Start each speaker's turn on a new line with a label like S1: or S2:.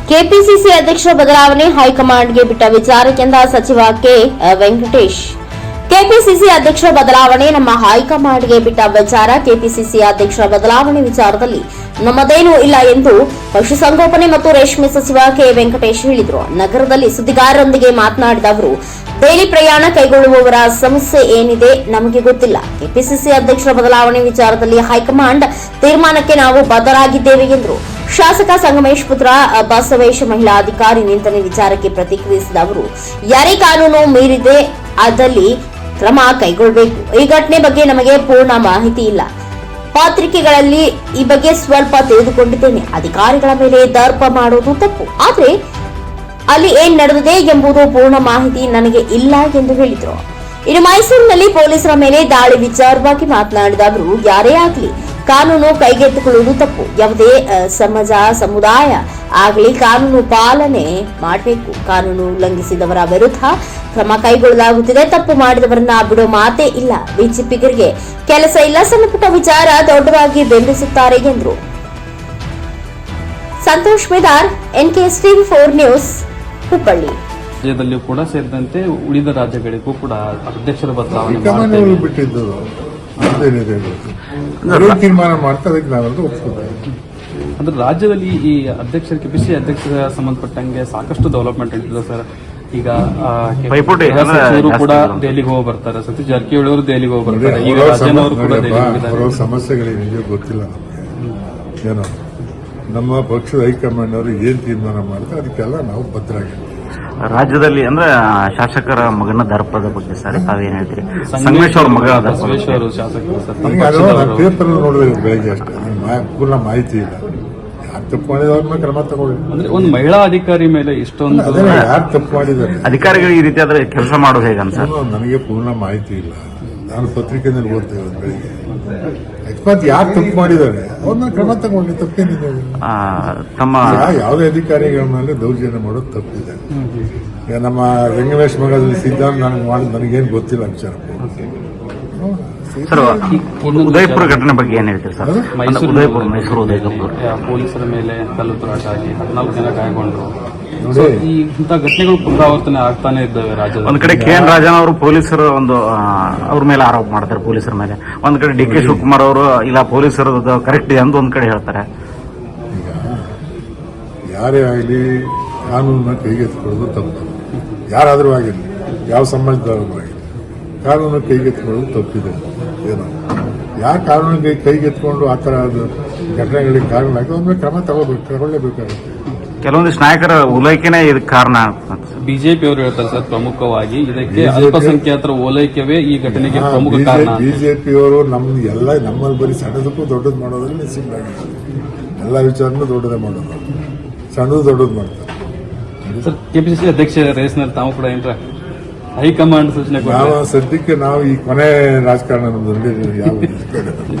S1: KPCC ಅಧ್ಯಕ್ಷರ ಬದಲಾವಣೆ ಹೈಕಮಾಂಡ್ಗೆ ಬಿಟ್ಟ ವಿಚಾರಕ್ಕೆಂದ ಸಚಿವ ಕೆ ವೆಂಕಟೇಶ್. ಕೆಪಿಸಿಸಿ ಅಧ್ಯಕ್ಷರ ಬದಲಾವಣೆ ನಮ್ಮ ಹೈಕಮಾಂಡ್ಗೆ ಬಿಟ್ಟ ವಿಚಾರ. ಕೆಪಿಸಿಸಿ ಅಧ್ಯಕ್ಷರ ಬದಲಾವಣೆ ವಿಚಾರದಲ್ಲಿ ನಮ್ಮದೇನೂ ಇಲ್ಲ ಎಂದು ಪಶುಸಂಗೋಪನೆ ಮತ್ತು ರೇಷ್ಮೆ ಸಚಿವ ಕೆ ವೆಂಕಟೇಶ್ ಹೇಳಿದರು. ನಗರದಲ್ಲಿ ಸುದ್ದಿಗಾರರೊಂದಿಗೆ ಮಾತನಾಡಿದ ಅವರು, ಡೈಲಿ ಪ್ರಯಾಣ ಕೈಗೊಳ್ಳುವವರ ಸಮಸ್ಯೆ ಏನಿದೆ ನಮಗೆ ಗೊತ್ತಿಲ್ಲ. ಕೆಪಿಸಿಸಿ ಅಧ್ಯಕ್ಷರ ಬದಲಾವಣೆ ವಿಚಾರದಲ್ಲಿ ಹೈಕಮಾಂಡ್ ತೀರ್ಮಾನಕ್ಕೆ ನಾವು ಬದ್ಧರಾಗಿದ್ದೇವೆ ಎಂದರು. ಶಾಸಕ ಸಂಗಮೇಶ್ ಪುತ್ರ ಬಸವೇಶ್ ಮಹಿಳಾ ಅಧಿಕಾರಿ ನಿಂದನೆ ವಿಚಾರಕ್ಕೆ ಪ್ರತಿಕ್ರಿಯಿಸಿದ ಅವರು, ಯಾರೇ ಕಾನೂನು ಮೀರಿದೆ ಅದಲ್ಲಿ ಕ್ರಮ ಕೈಗೊಳ್ಳಬೇಕು. ಈ ಘಟನೆ ಬಗ್ಗೆ ನಮಗೆ ಪೂರ್ಣ ಮಾಹಿತಿ ಇಲ್ಲ. ಪತ್ರಿಕೆಗಳಲ್ಲಿ ಈ ಬಗ್ಗೆ ಸ್ವಲ್ಪ ತಿಳಿದುಕೊಂಡಿದ್ದೇನೆ. ಅಧಿಕಾರಿಗಳ ಮೇಲೆ ದರ್ಪ ಮಾಡುವುದು ತಪ್ಪು, ಆದರೆ ಅಲ್ಲಿ ಏನ್ ನಡೆದಿದೆ ಎಂಬುದು ಪೂರ್ಣ ಮಾಹಿತಿ ನನಗೆ ಇಲ್ಲ ಎಂದು ಹೇಳಿದರು. ಇನ್ನು ಮೈಸೂರಿನಲ್ಲಿ ಪೊಲೀಸರ ಮೇಲೆ ದಾಳಿ ವಿಚಾರವಾಗಿ ಮಾತನಾಡಿದ ಅವರು, ಯಾರೇ ಆಗಲಿ ಕಾನೂನು ಕೈಗೆತ್ತಿಕೊಳ್ಳುವುದು ತಪ್ಪು. ಯಾವುದೇ ಸಮುದಾಯ ಆಗಲಿ ಕಾನೂನು ಪಾಲನೆ ಮಾಡಬೇಕು. ಕಾನೂನು ಉಲ್ಲಂಘಿಸಿದವರ ವಿರುದ್ಧ ಕ್ರಮ ಕೈಗೊಳ್ಳಲಾಗುತ್ತಿದೆ. ತಪ್ಪು ಮಾಡಿದವರನ್ನ ಬಿಡೋ ಮಾತೇ ಇಲ್ಲ. ಬಿಜೆಪಿಗರಿಗೆ ಕೆಲಸ ಇಲ್ಲ. ಸಣ್ಣಪುಟ್ಟ ವಿಚಾರ ದೊಡ್ಡದಾಗಿ ಬೆಂಬಲಿಸುತ್ತಾರೆ ಎಂದರು. Santosh Medar, NKS TV4 news, Hubballi.
S2: ರಾಜ್ಯದಲ್ಲಿಯೂ ಕೂಡ ಸೇರಿದಂತೆ ಉಳಿದ ರಾಜ್ಯಗಳಿಗೂ ಕೂಡ ಅಧ್ಯಕ್ಷರ ಬದಲಾವಣೆ
S3: ಬಿಟ್ಟಿದ್ದು ತೀರ್ಮಾನ ಮಾಡ್ತಾ ಅದಕ್ಕೆ ನಾವೆಲ್ಲರೂ ಒಪ್ಪಿಕೊಳ್ತೇವೆ.
S2: ಅಂದ್ರೆ ರಾಜ್ಯದಲ್ಲಿ ಈ ಅಧ್ಯಕ್ಷರ ಕೆಪಿಸಿಸಿ ಅಧ್ಯಕ್ಷರ ಸಂಬಂಧಪಟ್ಟಂಗೆ ಸಾಕಷ್ಟು ಡೆವಲಪ್ಮೆಂಟ್ ನಡೀತಿದೆ ಸರ್. ಈಗ ಸಚಿವರು ಕೂಡ ದೆಹಲಿಗೆ ಹೋಗಿ ಬರ್ತಾರೆ, ಸತೀಶ್ ಜಾರಕಿಹೊಳಿ ಅವರು ದೆಹಲಿಗೆ ಹೋಗಿ ಬರ್ತಾರೆ, ಈಗ ರಾಜನವರು ಕೂಡ ದೆಹಲಿಗೆ ಹೋಗಿದ್ದಾರೆ.
S3: ಸಮಸ್ಯೆಗಳೇನಿದೆ ಗೊತ್ತಿಲ್ಲ ನಮಗೆ. ಏನೋ ನಮ್ಮ ಪಕ್ಷದ ಹೈಕಮಾಂಡ್ ಅವರು ಏನ್ ತೀರ್ಮಾನ ಮಾಡ್ತಾರೆ ಅದಕ್ಕೆಲ್ಲ ನಾವು ಬದ್ಧರಾಗಿರ್ತೀವಿ.
S4: ರಾಜ್ಯದಲ್ಲಿ ಅಂದ್ರೆ ಶಾಸಕರ ಮಗನ ದರ್ಪದ ಬಗ್ಗೆ ಸರ್ ತಾವೇನ್ ಹೇಳ್ತೀರಿ? ಸಂಗಮೇಶ್ ಅವ್ರ ಮಗ
S2: ಅವರು ಶಾಸಕರು
S3: ಪೇಪರ್ ನೋಡಿದ್ರೆ ಬೆಳಗ್ಗೆ ಅಷ್ಟೇ ಪೂರ್ಣ ಮಾಹಿತಿ ಇಲ್ಲ. ಯಾರು ತಪ್ಪು ಮಾಡಿದವ್ರ ಮೇಲೆ ಕ್ರಮ ತಗೊಳ್ಳಿ.
S2: ಅಂದ್ರೆ ಒಂದು ಮಹಿಳಾ ಅಧಿಕಾರಿ ಮೇಲೆ ಇಷ್ಟೊಂದು
S3: ಯಾರು ತಪ್ಪು ಮಾಡಿದ್ದಾರೆ
S4: ಅಧಿಕಾರಿಗಳು ಈ ರೀತಿ ಆದ್ರೆ ಕೆಲಸ ಮಾಡೋದು ಹೇಗೆ ಅನ್ಸ?
S3: ನನಗೆ ಪೂರ್ಣ ಮಾಹಿತಿ ಇಲ್ಲ. ನಾನು ಪತ್ರಿಕೆಯಲ್ಲಿ ಓದ್ತೇವೆ ಬೆಳಿಗ್ಗೆ. ಅಕಸ್ಮಾತ್ ಯಾರು ತಪ್ಪು ಮಾಡಿದ್ದಾರೆ ಅವ್ರನ್ನ ಕ್ರಮ ತಗೊಂಡು ತಪ್ಪೇನಿದೆ.
S4: ತಮ್ಮ
S3: ಯಾವುದೇ ಅಧಿಕಾರಿಗಳ ಮೇಲೆ ದೌರ್ಜನ್ಯ ಮಾಡೋದು ತಪ್ಪಿದೆ. ಈಗ ನಮ್ಮ ರಂಗಮೇಶ್ ಮಗದಲ್ಲಿ ಸಿದ್ಧಾಂತ ನನಗೆ ಮಾಡಿದ್ ನನಗೇನು ಗೊತ್ತಿಲ್ಲ ವಿಚಾರ.
S4: ಸರ್, ಉದಯಪುರ ಘಟನೆ ಬಗ್ಗೆ ಏನ್ ಹೇಳ್ತೀರಿ ಸರ್? ಮೈಸೂರು ಉದಯಪುರ
S2: ಪೊಲೀಸರ ಮೇಲೆ ಕಲ್ಲು ತೂರಾಟ ಆಗಿ 14 ಜನ ಗಾಯಗೊಂಡ್ರು. ಈ ಇಂಥ ಘಟನೆಗಳು ಪುನರಾವರ್ತನೆ ಆಗ್ತಾನೆ ಇದ್ದಾವೆ ರಾಜ್ಯದಲ್ಲಿ.
S4: ಒಂದ್ ಕಡೆ KN ರಾಜನ್ ಅವರು ಪೊಲೀಸರು ಅವ್ರ ಮೇಲೆ ಆರೋಪ ಮಾಡ್ತಾರೆ, ಪೊಲೀಸರ ಮೇಲೆ. ಒಂದ್ ಕಡೆ DK ಶಿವಕುಮಾರ್ ಅವರು ಇಲ್ಲ ಪೊಲೀಸರದ್ದು ಕರೆಕ್ಟ್ ಇದೆ ಅಂತ ಒಂದ್ ಕಡೆ ಹೇಳ್ತಾರೆ.
S3: ಯಾರೇ ಆಗಲಿ ಕಾನೂನನ್ನ ಕೈಗೆತ್ತಿಕೊಳ್ಳೋದು ತಪ್ಪು. ಯಾರಾದರೂ ಆಗಿರಲಿ, ಯಾವ ಸಮಾಜದವರು ಆಗಲಿ, ಕಾನೂನು ಕೈಗೆತ್ತಿಕೊಳ್ಳೋದು ತಪ್ಪಿದೆ. ಏನೋ ಯಾರು ಕಾನೂನಿಗೆ ಕೈಗೆತ್ಕೊಂಡು ಆ ಥರ ಘಟನೆಗಳಿಗೆ ಕಾರಣ ಆಗಿದೆ ಅವ್ರ ಮೇಲೆ ಕ್ರಮ ತಗೊಳ್ಳೇಬೇಕಾಗುತ್ತೆ.
S4: ಕೆಲವೊಂದಿಷ್ಟು ನಾಯಕರ ಓಲೈಕೆನೇ ಇದಕ್ಕೆ ಕಾರಣ.
S2: ಬಿಜೆಪಿ ಅವರು ಹೇಳ್ತಾರೆ ಸರ್, ಪ್ರಮುಖವಾಗಿ ಇದಕ್ಕೆ ಅಲ್ಪಸಂಖ್ಯಾತರ ಓಲೈಕೆವೇ ಈ ಘಟನೆಗೆ ಪ್ರಮುಖ ಕಾರಣ.
S3: ಬಿಜೆಪಿಯವರು ನಮ್ಮಲ್ಲಿ ಬರೀ ಸಣ್ಣದಕ್ಕೂ ದೊಡ್ಡದು ಮಾಡೋದ್ರಲ್ಲಿ ನಿಶ್ಚಿಂತಾಗಿದೆ. ಎಲ್ಲ ವಿಚಾರನೂ ದೊಡ್ಡದೇ ಮಾಡೋದು, ಸಣ್ಣದು ದೊಡ್ಡದು ಮಾಡ್ತಾರೆ.
S2: ಸರ್, ಕೆಪಿಸಿಸಿ ಅಧ್ಯಕ್ಷ ರೇಸ್ನಲ್ಲಿ ತಾವು ಕೂಡ ಏನ್ರ ಹೈಕಮಾಂಡ್ ಸೂಚನೆ
S3: ಸದ್ಯಕ್ಕೆ ನಾವು ಈ ಕೊನೆ ರಾಜಕಾರಣ ನಮ್ಮಲ್ಲಿ ಯಾವ